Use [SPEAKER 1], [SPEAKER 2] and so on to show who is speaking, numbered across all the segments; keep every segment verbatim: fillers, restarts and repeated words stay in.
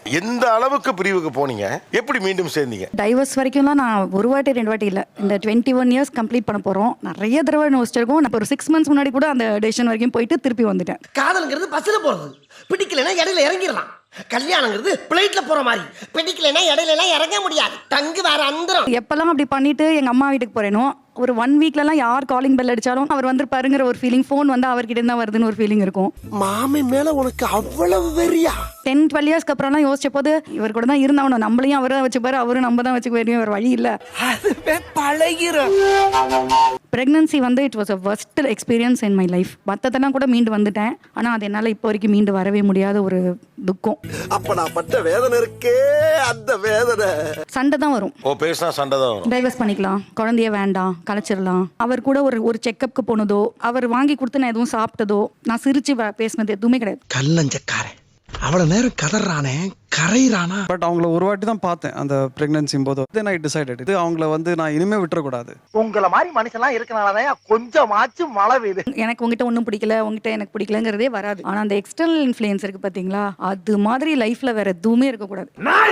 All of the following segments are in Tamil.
[SPEAKER 1] எந்த அளவுக்கு பிரிவுக்கு போனீங்க, எப்படி மீண்டும் சேர்ந்தீங்க?
[SPEAKER 2] டைவர்ஸ் வரைக்கும்லாம் நான் ஒரு வாட்டி ரெண்டு வாட்டி இல்லை, இந்த டுவெண்ட்டி ஒன் இயர்ஸ் கம்ப்ளீட் பண்ண போகிறோம். நிறைய தடவை யோசிச்சிருக்கோம். நான் ஒரு சிக்ஸ் மந்த்ஸ் முன்னாடி கூட அந்த டெசிஷன் வரைக்கும் போயிட்டு திருப்பி வந்துட்டேன்.
[SPEAKER 3] காதலுங்கிறது பஸ்ஸில் போகிறது, பிடிக்கலைன்னா இடையில இறங்கிடலாம். கல்யாணங்கிறது பிளைட்ல போற மாதிரி, பிடிக்கலைன்னா இடையில எல்லாம் இறங்க முடியாது, தங்கு வேற அந்தரம்.
[SPEAKER 2] எப்பெல்லாம் அப்படி பண்ணிட்டு எங்க அம்மா வீட்டுக்கு போறேனோ ஒரு ஒன் வீக்லலாம் யார் காலிங் பெல் அடிச்சாலும் அவர் வந்து பாருங்கிற ஒரு ஃபீலிங், ஃபோன் வந்து அவர்கிட்ட இருந்தா வருதுன்னு ஒரு ஃபீலிங் இருக்கும்.
[SPEAKER 3] மாமி மேல உனக்கு அவ்வளவு வெறியா?
[SPEAKER 2] டென் டுவெல் இயர்ஸ்க்கு அப்புறம்லாம் யோசிச்ச போது இவர் கூட தான் இருந்தாவணும், நம்மளையும் அவரை வச்சுப்பாரு, அவரும் நம்ம தான் வச்சுக்க வேண்டிய ஒரு வழி இல்லை.
[SPEAKER 3] பழகிறோம்.
[SPEAKER 2] பிரெக்னன்சி வந்து it was a worst experience in my life. மற்றதெல்லாம் கூட மீண்டு வந்துட்டேன், ஆனால் அது என்னால் இப்போ வரைக்கும் மீண்டு வரவே முடியாத ஒரு துக்கம்.
[SPEAKER 3] அப்ப நான் பட்ட வேதனை இருக்கே, அந்த வேதனை.
[SPEAKER 2] சண்டை தான் வரும்.
[SPEAKER 1] ஓ, பேசினா சண்டை தான் வரும்.
[SPEAKER 2] டைவர்ஸ் பண்ணிக்கலாம், குழந்தைய வேண்டாம், கலைச்சிடலாம். அவர் கூட ஒரு ஒரு செக்கப்புக்கு போனதோ, அவர் வாங்கி கொடுத்து நான் எதுவும் சாப்பிட்டதோ, நான் சிரிச்சு பேசினது எதுவுமே கிடையாது.
[SPEAKER 3] கல்லஞ்சக்காரன் அவ்வளவு நேரம் கதறானே, கரையிறானா.
[SPEAKER 4] பட் அவங்கள ஒரு வாட்டி தான் பார்த்தேன் அந்த பிரெக்னன்சி போது. தென் ஐ டிசைடட் இது அவங்கள வந்து நான் இனிமே விட்டுறக்கூடாது.
[SPEAKER 3] உங்களை மாதிரி மனுஷன்லாம் இருக்கனாலதான் கொஞ்சமாச்சும் மழை பெய்யுது.
[SPEAKER 2] எனக்கு உங்ககிட்ட ஒன்றும் பிடிக்கல, உங்ககிட்ட எனக்கு பிடிக்கலங்கிறதே வராது. ஆனால் அந்த எக்ஸ்டர்னல் இன்ஃப்ளூயன்ஸ் இருக்கு பார்த்தீங்களா, அது மாதிரி லைஃப்ல வேற எதுவுமே இருக்கக்கூடாது.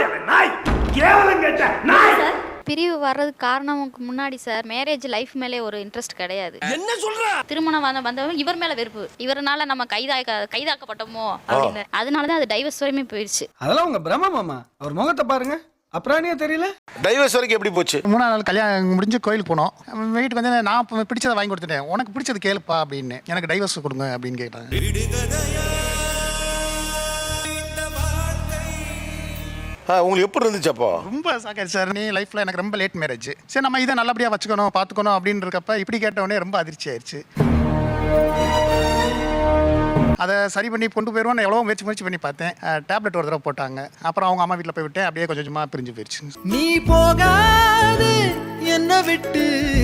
[SPEAKER 5] பிரிவு வர்றதுக்கு காரணமுக்கு முன்னாடி சார் மேரேஜ் லைஃப் மேலே ஒரு இன்ட்ரெஸ்ட் கிடையாது.
[SPEAKER 3] என்ன சொல்ற?
[SPEAKER 5] திருமணம் வந்த வந்தவங்க இவர் மேல வெறுப்பு, இவரனால நம்ம கைதாக்க கைதாக்கப்பட்டோமோ அப்படின்னு, அதனாலதான் அது டைவர்ஸ் வரையுமே போயிடுச்சு.
[SPEAKER 6] அதெல்லாம் உங்க பிரம்ம மாமா, அவர் முகத்தை பாருங்க, அப்புறம் தெரியல.
[SPEAKER 1] டைவர்ஸ் வரைக்கும் எப்படி போச்சு?
[SPEAKER 7] மூணாவது நாள் கல்யாணம் முடிஞ்சு கோயிலுக்கு போனோம். வீட்டுக்கு வந்து நான் பிடிச்சதை வாங்கி கொடுத்துட்டேன். உனக்கு பிடிச்சது கேளுப்பா அப்படின்னு, எனக்கு டைவர்ஸ் கொடுங்க அப்படின்னு கேட்டாங்க.
[SPEAKER 1] உங்களுக்கு எப்படி இருந்துச்சு அப்போ?
[SPEAKER 7] ரொம்ப சாக்காச்சு சார். நீ லைஃப்ல எனக்கு ரொம்ப லேட் மேரேஜ், சரி நம்ம இதை நல்லபடியா வச்சுக்கணும் பார்த்துக்கணும் அப்படின்னு இருக்கப்ப இப்படி கேட்டவுடனே ரொம்ப அதிர்ச்சி ஆயிடுச்சு. அதை சரி பண்ணி கொண்டு போயிடுவோம் எவ்வளோ முயற்சி முயற்சி பண்ணி பார்த்தேன். டேப்லெட் ஒரு தடவை போட்டாங்க, அப்புறம் அவங்க அம்மா வீட்டில் போய் விட்டேன். அப்படியே கொஞ்சம் கொஞ்சமாக பிரிஞ்சு போயிடுச்சு.
[SPEAKER 6] நீ போகாது என்ன விட்டு.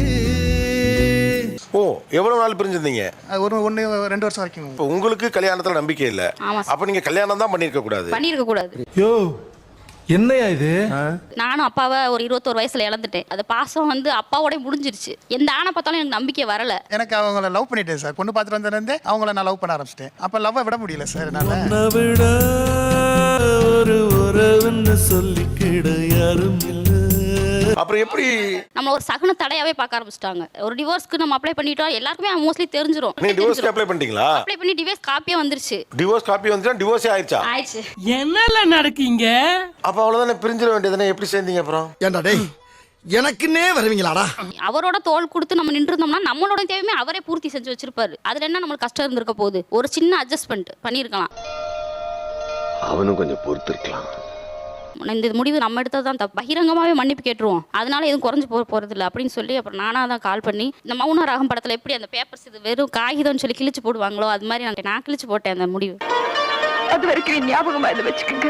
[SPEAKER 1] ஓ, எவ்வளவு நாள் பிரிஞ்சிருந்தீங்க?
[SPEAKER 7] ஒரு ஒன்று ரெண்டு வருஷம் வரைக்கும்.
[SPEAKER 1] இப்போ உங்களுக்கு கல்யாணத்துல நம்பிக்கை இல்லை, அப்ப நீங்க கல்யாணம் தான் பண்ணிருக்க கூடாது.
[SPEAKER 5] பண்ணிருக்க கூடாது.
[SPEAKER 6] யோ என்னையா இது?
[SPEAKER 5] நானும் அப்பாவை ஒரு இருபத்தோரு வயசுல இழந்துட்டேன். அது பாசம் வந்து அப்பாவோட முடிஞ்சிருச்சு. எந்த ஆணை பார்த்தாலும் எனக்கு நம்பிக்கை வரல.
[SPEAKER 7] எனக்கு அவங்கள லவ் பண்ணிட்டேன் சார். பொண்ணு பார்த்துட்டு வந்ததுலேருந்து அவங்கள நான் லவ் பண்ண ஆரம்பிச்சிட்டேன். அப்போ லவ்வை விட முடியல சார் என்னால்.
[SPEAKER 6] ஒரு உறவுன்னு சொல்லிக்கிட யாரும் இல்லை.
[SPEAKER 1] அப்புறம் எப்படி
[SPEAKER 5] நம்ம ஒரு சகுன தடையாவே பார்க்க ஆரம்பிச்சிட்டாங்க. ஒரு டிவோர்ஸ்க்கு நம்ம அப்ளை பண்ணிட்டோம், எல்லாருக்குமே மோஸ்ட்லி தெரிஞ்சிரும்.
[SPEAKER 1] நீங்க டிவோர்ஸ்க்கு அப்ளை பண்ணிட்டீங்களா?
[SPEAKER 5] அப்ளை பண்ணி டிவோர்ஸ் காப்பியே வந்துருச்சு.
[SPEAKER 1] டிவோர்ஸ் காப்பி வந்துச்சா? டிவோர்ஸே ஆயிடுச்சா?
[SPEAKER 5] ஆயிடுச்சு.
[SPEAKER 8] என்னல நடக்கீங்க?
[SPEAKER 1] அப்ப அவ்வளவுதானே, பிரிஞ்சிட வேண்டியதுதானே. எப்படி சேர்ந்தீங்க அப்புறம்?
[SPEAKER 3] ஏண்டா டேய், எனக்குன்னே வருவீங்களாடா?
[SPEAKER 5] அவரோட தோள் கொடுத்து நம்ம நின்று இருந்தோம்னா நம்மளோட தேவையுமே அவரே பூர்த்தி செஞ்சு வச்சிருப்பாரு. அதுல என்ன நம்மளுக்கு கஷ்டம் இருந்திருக்க போகுது? ஒரு சின்ன அட்ஜஸ்ட்மெண்ட் பண்ணிருக்கலாம்.
[SPEAKER 9] அவனும் கொஞ்சம் பொறுத்து இருக்கலாம்.
[SPEAKER 5] இந்த முடிவு நம்ம எடுத்தது தான் தப்பு, பகிரங்கமாகவே மன்னிப்பு கேட்டுருவோம், அதனால எதுவும் குறைஞ்சு போக போகிறது இல்லை அப்படின்னு சொல்லி அப்புறம் நானாக தான் கால் பண்ணி, இந்த மௌன ராகம் படத்தில் எப்படி அந்த பேப்பர்ஸ் இது வெறும் காகிதம்னு சொல்லி கிழிச்சு போடுவாங்களோ அது மாதிரி நான் நான் கிழிச்சு போட்டேன் அந்த முடிவு.
[SPEAKER 2] அது வரைக்கும் ஞாபகமாக இதை வச்சுக்கோங்க.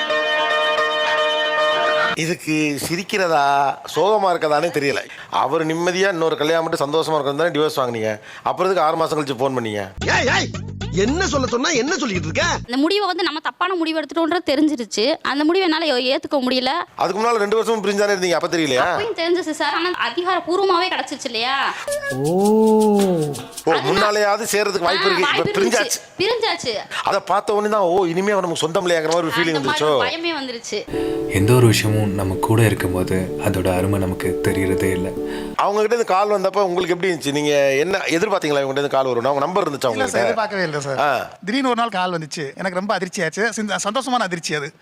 [SPEAKER 1] இதுக்கு சிரிக்கிறதா சோகமா இருக்கதானே தெரியல. அவர் நிம்மதியா இன்னொரு கல்யாணம் மட்டும் சந்தோஷமா இருக்கிறது டிவோர்ஸ் வாங்கினீங்க, அப்புறம் இதுக்கு ஆறு மாசம் கழிச்சு போன் பண்ணீங்க.
[SPEAKER 3] என்ன சொல்ல சொன்னா என்ன சொல்லிட்டு இருக்க?
[SPEAKER 5] அந்த முடிவை வந்து நம்ம தப்பான முடிவு எடுத்துட்டோம்ன்றது தெரிஞ்சிருச்சு. அந்த முடிவை என்னால ஏத்துக்க முடியல.
[SPEAKER 1] அதுக்கு முன்னால ரெண்டு வருஷம் பிரிஞ்சானே இருந்தீங்க, அப்ப தெரியலையா?
[SPEAKER 5] அப்பயும் தெரிஞ்சிச்சு சார், ஆனா அதிகாரப்பூர்வமாவே கிடைச்சிருச்சு இல்லையா?
[SPEAKER 1] ஓ, முன்னாலேயாவது சேர்றதுக்கு வாய்ப்பு இருக்கு. பிரிஞ்சாச்சு
[SPEAKER 5] பிரிஞ்சாச்சு
[SPEAKER 1] அதை பார்த்த உடனே தான் ஓ இனிமே நமக்கு சொந்தம் இல்லையாங்கிற மாதிரி ஒரு ஃபீலிங் வந்துருச்சோ.
[SPEAKER 5] பயமே வந்துருச்சு.
[SPEAKER 10] எந்த ஒரு விஷயமும் நம்ம கூட இருக்கும்போது அதோட அருமை நமக்கு தெரியறதே இல்லை.
[SPEAKER 1] அவங்க கிட்ட இருந்து கால் வந்தப்ப உங்களுக்கு எப்படி இருந்துச்சு? நீங்க என்ன எதிர்பார்த்தீங்களா இவங்க கிட்ட கால் வரும்? அவங்க நம்பர் இருந்துச்சு உங்களுக்கு?
[SPEAKER 7] எதிர்பார்க்கவே இல்லை சார். திடீர்னு ஒரு நாள் கால் வந்துச்சு, எனக்கு ரொம்ப அதிர்ச்சி ஆச்சு. சந்தோஷமான அதிர்ச்சி அது.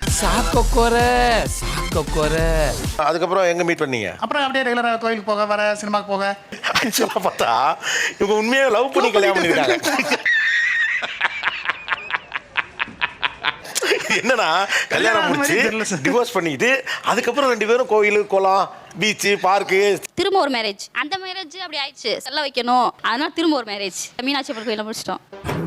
[SPEAKER 1] அதுக்கப்புறம் எங்க மீட் பண்ணீங்க?
[SPEAKER 7] அப்புறம் அப்படியே ரெகுலரா கோயிலுக்கு போக வர, சினிமாக்கு போக.
[SPEAKER 1] ஆக்சுவலா பார்த்தா இவங்க உண்மையாக லவ் பண்ணி கல்யாணம் பண்ணிருக்காங்க. என்னன்னா கல்யாணம் முடிச்சு டிவோர்ஸ் பண்ணிட்டு அதுக்கப்புறம் ரெண்டு பேரும் கோயில், குளம், பீச்சு, பார்க்கு,
[SPEAKER 5] திரும்ப ஒரு மேரேஜ். அந்த மேரேஜ் அப்படி ஆயிடுச்சு, செல்ல வைக்கணும், அதனால திரும்ப ஒரு மேரேஜ் மீனாட்சி அம்மன் கோயில முடிச்சிட்டோம்.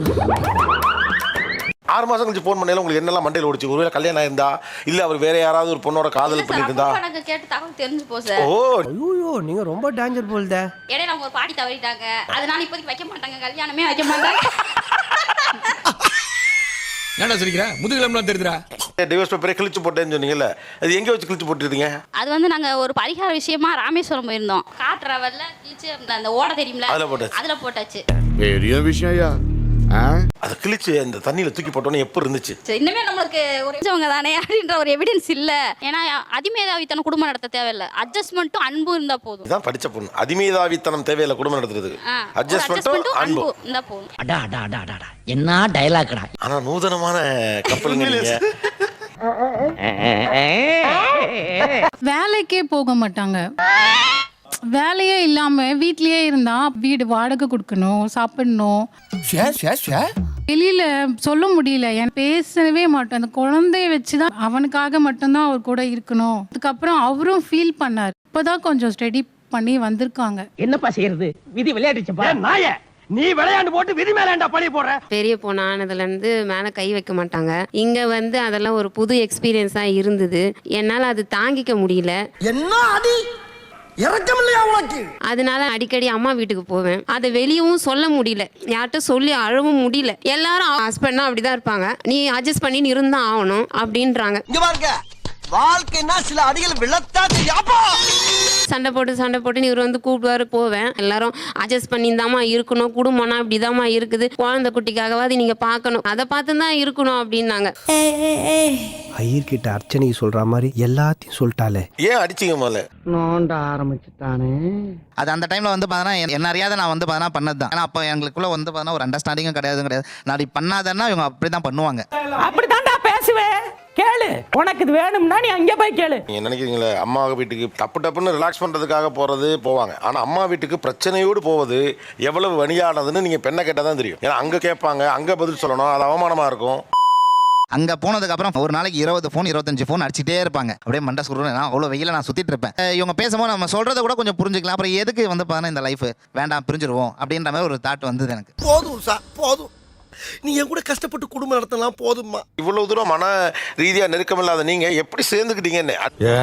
[SPEAKER 1] ஆறு மாசம் கழிச்சு போன் பண்ணல உங்களுக்கு என்னெல்லாம் மண்டையில் ஓடிச்சு? ஒருவேளை கல்யாணம் ஆயிருந்தா இல்ல அவர் வேற யாராவது ஒரு பொண்ணோட காதல் பண்ணிட்டு இருந்தா?
[SPEAKER 5] எனக்கு கேட்டு தகவல் தெரிஞ்சு போ சார்.
[SPEAKER 1] ஓ
[SPEAKER 6] ஐயோ, நீங்க ரொம்ப டேஞ்சர் போல்த.
[SPEAKER 5] இடையில அவங்க ஒரு பாட்டி தவறிட்டாங்க, அதனால இப்போதைக்கு வைக்க மாட்டாங்க, கல்யாணமே வைக்க மாட்டாங்க.
[SPEAKER 8] என்னடா சொல்லிக்கிற? முதுகிலம்லாம் தெரியுதுடா.
[SPEAKER 1] டிவோர்ஸ் பேப்பரை கிழிச்சு போட்டேன்னு சொன்னீங்கல்ல, அது எங்க வச்சு கிழிச்சு போட்டுருந்தீங்க?
[SPEAKER 5] அது வந்து நாங்க ஒரு பரிகார விஷயமா ராமேஸ்வரம் போயிருந்தோம். கார் டிராவல்ல கிழிச்சு அந்த ஓட தெரியும்ல, அதுல போட்டாச்சு. அதுல போட்டாச்சு.
[SPEAKER 9] பெரிய விஷயம்.
[SPEAKER 1] அதை கிழிச்சு அந்த தண்ணியில தூக்கி போட்டோன்னே எப்படி இருந்துச்சு?
[SPEAKER 5] சரி, இன்னுமே நம்மளுக்கு ஒரு விஷயவங்க தானே அப்படின்ற ஒரு எவிடன்ஸ் இல்ல. ஏன்னா அதிமேதாவித்தனம் குடும்பம் நடத்த தேவையில்லை, அட்ஜஸ்ட்மெண்ட்டும் அன்பும் இருந்தா போதும்.
[SPEAKER 1] இதான் படிச்ச பொண்ணு. அதிமேதாவித்தனம் தேவையில்லை குடும்பம் நடத்துறதுக்கு. அட்ஜஸ்ட்மெண்ட்டும் அன்பு
[SPEAKER 5] இருந்தா போதும்.
[SPEAKER 3] அடா அடா அடா அடா என்ன டயலாக்டா.
[SPEAKER 1] ஆனா நூதனமான கப்பலுங்க நீங்க.
[SPEAKER 2] வேலைக்கே போக மாட்டாங்க. வேலையே இல்லாம வீட்லயே இருந்தா வீடு வாடகை கொடுக்கணும், சாப்பிடணும். வெளியில சொல்ல முடியல, என் பேசவே மாட்டோம். அந்த குழந்தைய வச்சுதான் அவனுக்காக மட்டும்தான் அவர் கூட இருக்கணும். அதுக்கப்புறம் அவரும் ஃபீல் பண்ணார். இப்பதான் கொஞ்சம் ஸ்டடி பண்ணி வந்திருக்காங்க.
[SPEAKER 3] என்னப்பா செய்யறது, விதி விளையாடுச்சுப்பா. நாய நீ விளையாண்டு போட்டு விதி மேலேண்டா பழி போடுற.
[SPEAKER 11] பெரிய பொண்ணு ஆனதுல இருந்து மேல கை வைக்க மாட்டாங்க. இங்க வந்து அதெல்லாம் ஒரு புது எக்ஸ்பீரியன்ஸா இருந்தது. என்னால அது தாங்கிக்க முடியல.
[SPEAKER 3] என்ன அடி இறக்கம் இல்லையா உனக்கு?
[SPEAKER 11] அதனால அடிக்கடி அம்மா வீட்டுக்கு போவேன். அதை வெளியவும் சொல்ல முடியல, யார்கிட்ட சொல்லி அழவும் முடியல. எல்லாரும் ஹஸ்பண்ட்னா அப்படிதான் இருப்பாங்க, நீ அட்ஜஸ்ட் பண்ணி இருந்தா ஆகணும் அப்படின்றாங்க.
[SPEAKER 3] இங்க பாருங்க, வாழ்க்கைன்னா சில அடிகள் விழத்தா தெரியாப்பா.
[SPEAKER 11] சண்டை போட்டு சண்டை போட்டு இவர் வந்து கூப்பிடுவாரு, போவேன். எல்லாரும் அட்ஜஸ்ட் பண்ணிதாம்மா இருக்கணும், குடும்பம்னா இப்படிதாம்மா இருக்குது, குழந்தை குட்டிக்காகவாது நீங்க பார்க்கணும், அதை பார்த்து தான் இருக்கணும் அப்படின்னாங்க.
[SPEAKER 3] ஐயர்கிட்ட அர்ச்சனை சொல்ற மாதிரி எல்லாத்தையும் சொல்லிட்டாலே.
[SPEAKER 1] ஏன் அடிச்சிங்க முதல்ல?
[SPEAKER 3] நோண்ட ஆரம்பிச்சுட்டானே.
[SPEAKER 12] அது அந்த டைம்ல வந்து பார்த்தீங்கன்னா என்ன அறியாத நான் வந்து பார்த்தீங்கன்னா பண்ணது தான். ஏன்னா அப்போ எங்களுக்குள்ள வந்து பார்த்தீங்கன்னா ஒரு அண்டர்ஸ்டாண்டிங்கும் கிடையாது கிடையாது நான் அப்படி பண்ணாதன்னா இவங்க அப்படி தான் பண்ணுவாங்க.
[SPEAKER 3] அப்படித்தான்டா பேசுவேன். கேளு, உனக்கு இது வேணும்னா நீ அங்கே போய் கேளு.
[SPEAKER 1] நீங்க நினைக்கிறீங்களே அம்மா வீட்டுக்கு டப்பு டப்புன்னு ரிலாக்ஸ் பண்றதுக்காக போறது போவாங்க, ஆனா அம்மா வீட்டுக்கு பிரச்சனையோடு போவது எவ்வளவு வணியானதுன்னு நீங்க பெண்ணை கேட்டால் தான் தெரியும். ஏன்னா அங்க கேட்பாங்க, அங்க பதில் சொல்லணும், அது அவமானமா இருக்கும்.
[SPEAKER 12] அங்கே போனதுக்கப்புறம் ஒரு நாளைக்கு இருபது ஃபோன் இருபத்தஞ்சு ஃபோன் அடிச்சுட்டே இருப்பாங்க. அப்படியே மண்டை சுருன்னு நான் அவ்வளோ வெயில நான் சுற்றிட்டு இருப்பேன். இவங்க பேசும்போது நம்ம சொல்கிறத கூட கொஞ்சம் புரிஞ்சுக்கலாம். அப்புறம் எதுக்கு வந்து பார்த்தீங்கன்னா இந்த லைஃப் வேண்டாம் பிரிஞ்சிருவோம் அப்படின்ற மாதிரி ஒரு தாட் வந்தது எனக்கு.
[SPEAKER 3] போதும் சார் போதும், நீ என் கூட கஷ்டப்பட்டு குடும்பம் நடத்தலாம் போதும்மா.
[SPEAKER 1] இவ்வளவு தூரம் மன ரீதியா நெருக்கம் இல்லாத நீங்க எப்படி சேர்ந்துக்கிட்டீங்கன்னு?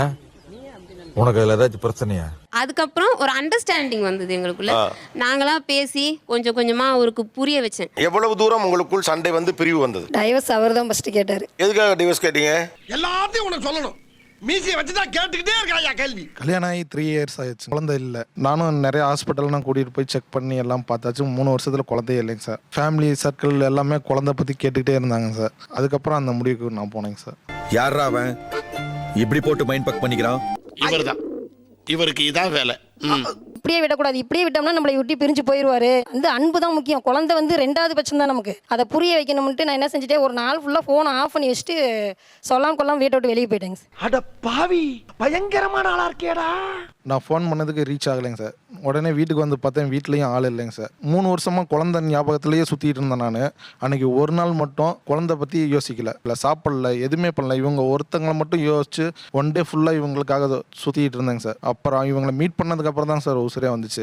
[SPEAKER 9] உனக்கு அதில் ஏதாச்சும் பிரச்சனையா?
[SPEAKER 11] அதுக்கப்புறம் ஒரு அண்டர்ஸ்டாண்டிங் வந்தது எங்களுக்குள்ள. நாங்களா பேசி கொஞ்சம் கொஞ்சமா அவருக்கு புரிய வச்சேன்.
[SPEAKER 1] எவ்வளவு தூரம் உங்களுக்குள் சண்டை வந்து பிரிவு வந்தது?
[SPEAKER 2] டைவர்ஸ் அவர் தான் ஃபர்ஸ்ட் கேட்டாரு.
[SPEAKER 1] எதுக்காக டிவோர்ஸ் கேட்டீங்க?
[SPEAKER 3] எல்லாத்தையும் உனக்கு சொல்லணும், மீசியை வச்சுதான் கேட்டுக்கிட்டே இருக்காயா கேள்வி.
[SPEAKER 7] கல்யாணம் ஆகி த்ரீ இயர்ஸ் ஆயிடுச்சு, குழந்தை இல்லை. நானும் நிறைய ஹாஸ்பிட்டல்லாம் கூட்டிகிட்டு போய் செக் பண்ணி எல்லாம் பார்த்தாச்சு. மூணு வருஷத்தில் குழந்தையே இல்லைங்க சார். ஃபேமிலி சர்க்கிள் எல்லாமே குழந்தை பற்றி கேட்டுக்கிட்டே இருந்தாங்க சார். அதுக்கப்புறம் அந்த முடிவுக்கு நான் போனேங்க சார்.
[SPEAKER 9] யாரா அவன் இப்படி போட்டு மைண்ட் பக் பண்ணிக்கிறான்?
[SPEAKER 3] இவர் தான், இவருக்கு இதான் வேலை.
[SPEAKER 2] இப்படியே விடக்கூடாது, இப்படியே விட்டோம்னா நம்மளை விட்டு பிரிஞ்சு போயிடுவாரு. அந்த அன்பு தான் முக்கியம், குழந்தை வந்து ரெண்டாவது பட்சம் தான் நமக்கு. அதை புரிய வைக்கணும்ட்டு நான் என்ன செஞ்சுட்டேன், ஒரு நாள் ஃபுல்லாக ஃபோனை ஆஃப் பண்ணி வச்சுட்டு சொல்லாம கொள்ளாம வீட்டை விட்டு வெளியே போயிட்டேங்க.
[SPEAKER 3] அட பாவி, பயங்கரமான ஆளா இருக்கேடா.
[SPEAKER 7] நான் ஃபோன் பண்ணதுக்கு ரீச் ஆகலைங்க சார். உடனே வீட்டுக்கு வந்து பார்த்தேன், வீட்லேயும் ஆள் இல்லைங்க சார். மூணு வருஷமாக குழந்தை ஞாபகத்திலேயே சுற்றிட்டு இருந்தேன் நான். அன்றைக்கி ஒரு நாள் மட்டும் குழந்தை பற்றி யோசிக்கல, இல்லை சாப்பிடல, எதுவுமே பண்ணல. இவங்க ஒருத்தங்களை மட்டும் யோசிச்சு ஒன் டே ஃபுல்லாக இவங்களுக்காக சுற்றிட்டு இருந்தேங்க சார். அப்புறம் இவங்களை மீட் பண்ணதுக்கப்புறம் தான் சார் உசுரே வந்துச்சு.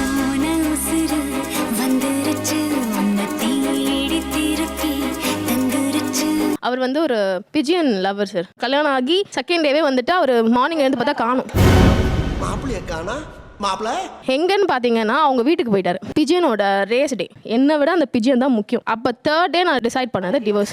[SPEAKER 2] அவர் வந்து ஒரு பிஜியன் லவர் சார். கல்யாணம் ஆகி செகண்ட் டேவே வந்துட்டு அவர் மார்னிங் எழுந்து பார்த்தா காணும்.
[SPEAKER 3] மாப்பிள்ளைய காணா, மாப்பிள்ள
[SPEAKER 2] எங்கன்னு பார்த்தீங்கன்னா அவங்க வீட்டுக்கு போயிட்டாரு. பிஜியனோட ரேஸ் டே, என்னை விட அந்த பிஜியன் தான் முக்கியம். அப்போ தேர்ட் டே நான் டிசைட் பண்ணது டிவோர்ஸ்.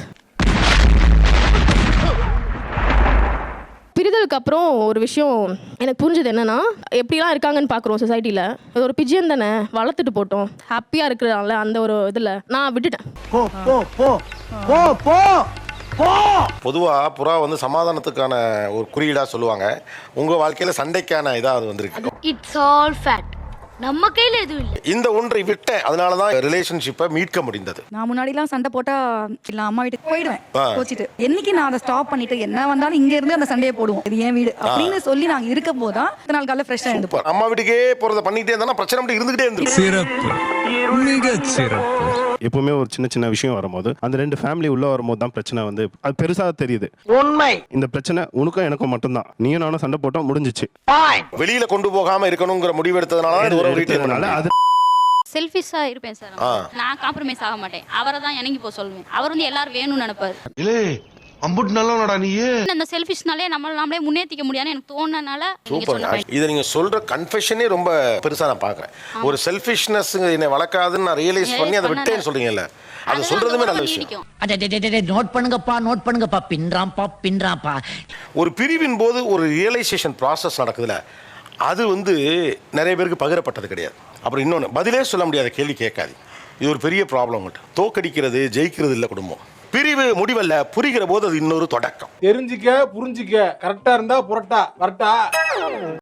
[SPEAKER 2] பிரிதலுக்கு அப்புறம் ஒரு விஷயம் எனக்கு புரிஞ்சது என்னன்னா, எப்படிலாம் இருக்காங்கன்னு பார்க்குறோம் சொசைட்டியில். அது ஒரு பிஜியன் தானே, வளர்த்துட்டு போட்டோம், ஹாப்பியாக இருக்கிறாங்கள அந்த ஒரு இதில் நான் விட்டுட்டேன்.
[SPEAKER 3] போ போ போ போ போ போ.
[SPEAKER 1] பொதுவாக புறா வந்து சமாதானத்துக்கான ஒரு குறியீடா சொல்லுவாங்க. உங்க வாழ்க்கையில சண்டைக்கான இதா அது வந்திருக்கு.
[SPEAKER 5] இட்ஸ் ஆல் ஃபேக்ட், நம்ம கையில எதுவும் இல்லை.
[SPEAKER 1] இந்த ஒன்றை விட்டேன், அதனால தான் ரிலேஷன்ஷிப்பை மீட்க முடிந்தது.
[SPEAKER 2] நான் முன்னாடிலாம் சண்டை போட்டா இல்லை அம்மா வீட்டுக்கு போயிடுவேன் கோச்சிட்டு. என்னைக்கு நான் அதை ஸ்டாப் பண்ணிட்டு என்ன வந்தாலும் இங்க இருந்து அந்த சண்டையை போடுவோம், இது என் வீடு அப்படின்னு சொல்லி நாங்கள் இருக்கும் போதுதான் இத்தனை நாள் காலையில் ஃப்ரெஷ்ஷாக இருந்துப்போம்.
[SPEAKER 1] அம்மா வீட்டுக்கே போறதை பண்ணிக்கிட்டே இருந்தா பிரச்சனை மட்டும் இருந்துகிட்டே இருந்துச்சு.
[SPEAKER 10] சிறப்பு, மிக சிறப்பு.
[SPEAKER 7] எப்பவுமே ஒரு சின்ன சின்ன விஷயம் வரும்போது அந்த ரெண்டு ஃபேமிலி உள்ள வரும்போது தான் பிரச்சனை வந்து அது பெருசாக தெரியுது.
[SPEAKER 3] உண்மை,
[SPEAKER 7] இந்த பிரச்சனை உனக்கும் எனக்கும் மட்டும்தான், நீயும் நானும் சண்டை போட்டோம், முடிஞ்சிச்சு.
[SPEAKER 1] வெளியில கொண்டு போகாம இருக்கணுங்கிற முடிவு எடுத்ததுனால அது
[SPEAKER 5] செல்ஃபிஷா இருப்பேன் சார். நான் காம்ப்ரமைஸ் ஆக மாட்டேன். அவரை தான் இணங்கி போக சொல்லுவேன். அவர் வந்து எல்லாரும் வேணும்னு நினைப்பாரு.
[SPEAKER 9] அம்புட்டு நல்லவனடா நீ.
[SPEAKER 5] அந்த செல்ஃபிஷ்னாலே நம்மள நாமளே முன்னேற்றிக்க முடியாதுன்னு எனக்கு தோணுனால
[SPEAKER 1] சூப்பர். இதை நீங்க சொல்ற கன்ஃபெஷனே ரொம்ப பெருசா நான் பாக்குறேன். ஒரு செல்ஃபிஷ்னஸ் என்னை வளர்க்காதுன்னு நான் ரியலைஸ் பண்ணி அதை விட்டேன்னு சொல்றீங்கல்ல, அது சொல்றதுமே நல்ல விஷயம்.
[SPEAKER 3] நோட் பண்ணுங்கப்பா, நோட் பண்ணுங்கப்பா, பின்றாம்பா பின்றாம்பா.
[SPEAKER 1] ஒரு பிரிவின் போது ஒரு ரியலைசேஷன் ப்ராசஸ் நடக்குதுல, அது வந்து நிறைய பேருக்கு பகிரப்பட்டது கிடையாது. அப்புறம் இன்னொன்று, பதிலே சொல்ல முடியாத கேள்வி கேட்காது. இது ஒரு பெரிய ப்ராப்ளம் உங்கள்கிட்ட. தோக்கடிக்கிறது ஜெயிக்கிறது இல்லை குடும்பம். பிரிவு முடிவல்ல, புரிகிற போது அது இன்னொரு தொடக்கம்.
[SPEAKER 6] தெரிஞ்சுக்க புரிஞ்சுக்க கரெக்டா இருந்தா புரட்டா வரட்டா.